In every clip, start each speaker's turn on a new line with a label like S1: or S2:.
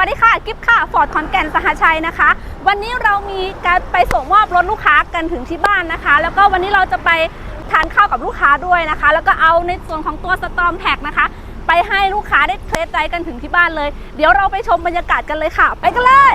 S1: วัสดีค่ะกิฟค่ะฟอร์ดขอนแก่นสหชัยนะคะวันนี้เรามีการไปส่งมอบรถลูกค้ากันถึงที่บ้านนะคะแล้วก็วันนี้เราจะไปทานข้าวกับลูกค้าด้วยนะคะแล้วก็เอาในส่วนของตัวสตอมแท็กนะคะไปให้ลูกค้าได้เทสไดรฟ์กันถึงที่บ้านเลยเดี๋ยวเราไปชมบรรยากาศกันเลยค่ะไปกันเลย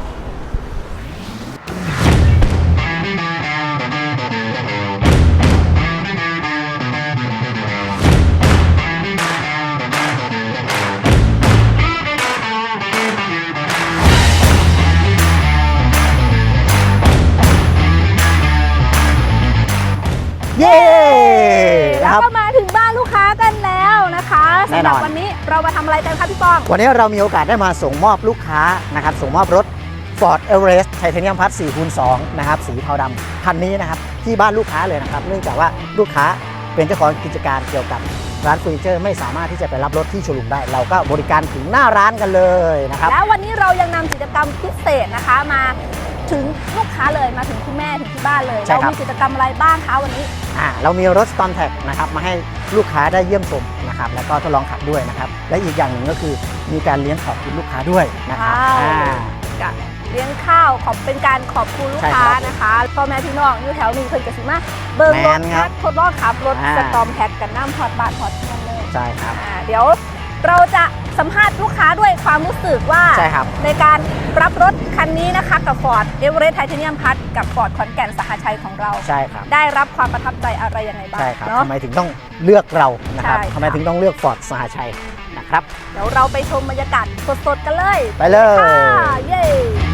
S2: เย้
S1: แล้วก็มาถึงบ้านลูกค้ากันแล้วนะคะสำหรับวันนี้เรามาทำอะไรกันคะพี่ปอง
S2: วันนี้เรามีโอกาสได้มาส่งมอบลูกค้านะครับส่งมอบรถ Ford Everest Titanium Plus 4x2 นะครับสีเทาดำคันนี้นะครับที่บ้านลูกค้าเลยนะครับเนื่องจากว่าลูกค้าเป็นเจ้าของกิจการเกี่ยวกับร้านเฟอร์นิเจอร์ไม่สามารถที่จะไปรับรถที่โชว์รูมได้เราก็บริการถึงหน้าร้านกันเลยนะครับ
S1: แล้ววันนี้เรายังนำกิจกรรมพิเศษนะคะมาถึงลูกค้าเลยมาถึงคุณแม่ถึงที่บ้านเลยเรามีกิจกรรมอะไรบ้างคะวันนี้
S2: เรามีรถ Storm Tag นะครับมาให้ลูกค้าได้เยี่ยมชมนะครับแล้วก็ทดลองขับด้วยนะครับและอีกอย่างหนึ่งก็คือมีการเลี้ยงขอบคุณลูกค้าด้วยนะครับ
S1: เลี้ยงข้าวเป็นการขอบคุณลูกค้านะคะพ่อแม่พี่น้องอยู่แถวนี้เพิ่นก็สิมาเบิ่งรถทดลองขับรถสตอมแท็กกันน้ำพอดบาทพอดเงินเลย
S2: ใช่ครับ
S1: เดี๋ยวเราจะสัมภาษณ์ลูกค้าด้วยความรู้สึกว่าในการรับรถคันนี้นะคะกับ Ford Everest Titanium Plus กับ Ford ขอนแก่นสหชัยของเรา
S2: ใช่ครับ
S1: ได้รับความประทับใจอะไรยังไงบ้าง
S2: ใช่ครับทำไมถึงต้องเลือกเรานะครับทำไมถึงต้องเลือก Ford สหชัยนะครับ
S1: เดี๋ยวเราไปชมบรรยากาศสดๆกันเลย
S2: ไปเลย
S1: เย้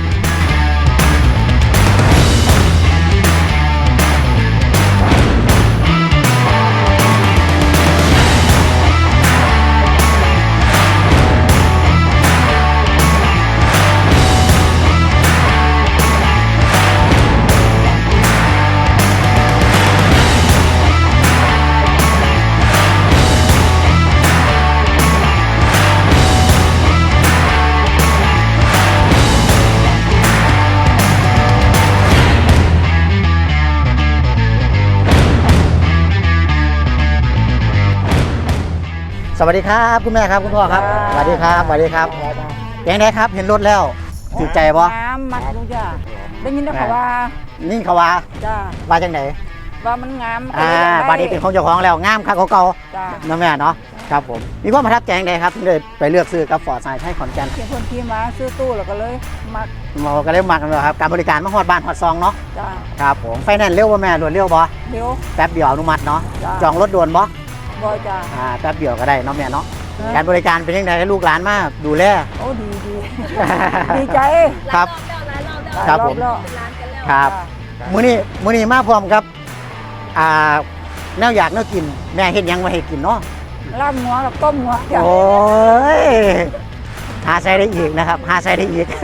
S2: สวัสดีครับคุณแม่ครับคุณพ่อครับสวัสดีครับสวัสดีครับยังไงครับเห็นรถแล้วถูกใจบ่
S3: น้ำมักลูกจ้าได้ยินเขาว่า
S2: นิ่งเขาว่า
S3: จ้า
S2: ว่าจังไหน
S3: ว่ามันงาม
S2: บัดนี้เป็นของเจ้าของแล้วงามคักเก่าๆนะแม่เนาะครับผมมีความประทับใจยังไงครับที่เลยไปเลือกซื้อกับ Ford สหชัยขอนแก่น
S3: เพื่อนคนที่มาซื้อตู้แล้วก็เลยมัก
S2: ก็เลยมักเลยครับการบริการมาฮอดบ้านฮอดซองเนาะครับผมไฟแนนซ์เร็วบ่แม่รวดเร็วบ่
S3: เร็ว
S2: แป๊บเดียวอนุมัติเนาะจองรถด่วนบ่
S3: บ่จ้า
S2: แป๊บเดียวก็ได้เนาะแม่เนาะการบริการเป็นยังไงให้ลูกหลานมาดูแล
S3: โอ้ดีดีใจ
S2: ครับครับผมครับมื้อนี้มาพร้อมกับแนวอยากแนวกินแม่เฮ็ดยังมาให้กินเนาะ
S3: ลาบหัวกับต้มหัว
S2: โอ้ยหาใส่ได้อีกนะครับหาใส่ได้อีก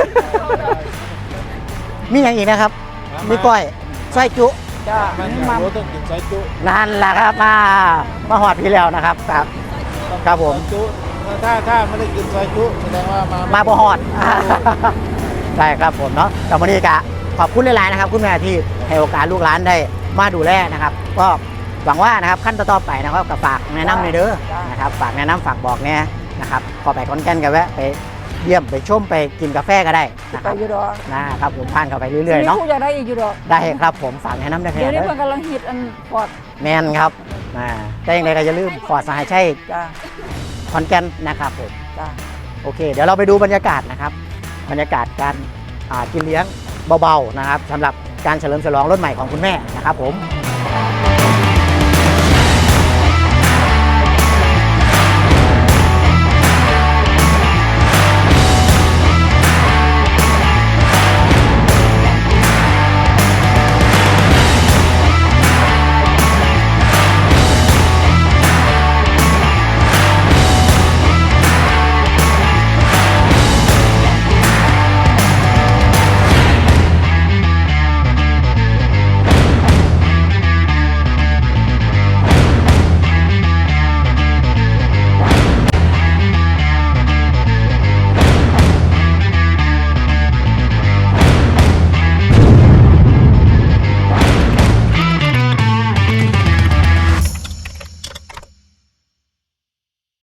S2: มีอย่างอีกนะครับมีก้อยไส้จุ
S3: จ้า
S4: มันต้องกินไส้จุ
S2: นั่นแหละครับมาหอดพี่แล้วนะครับครับผม
S4: ถ้าไม่ได้กินไส้จุแสดงว่า
S2: มาบ่หอดใช่ครับผมเนาะแต่วันนี้ก็ขอบคุณหลายๆนะครับคุณแม่ที่ให้โอกาสลูกหลานได้มาดูแลนะครับก็หวังว่านะครับขั้นต่อไปนะครับกับฝากแนะนำในเด้อนะครับฝากแนะนำฝากบอกเนี่ยนะครับพอไปขอนแก่นกันแวะไปเยี่ยมไปชมไปกินกาแฟก็ได้นะครับนะครับผมผ่านเข้าไปเรื่อยๆเนาะ
S3: อยากได้อีกอยู่ดอก
S2: ได้ครับผมฝากแนะนำได้แค่
S3: เดี๋ยวนี้มันกำลังฮิตอันฟอร์ด
S2: แมนครับแต่ยังไงก็อย่าลืมฟอร์ดสหชัยขอนแก่นนะครับผมโอเคเดี๋ยวเราไปดูบรรยากาศนะครับบรรยากาศการกินเลี้ยงเบาๆนะครับสำหรับการเฉลิมฉลองรถใหม่ของคุณแม่นะครับผม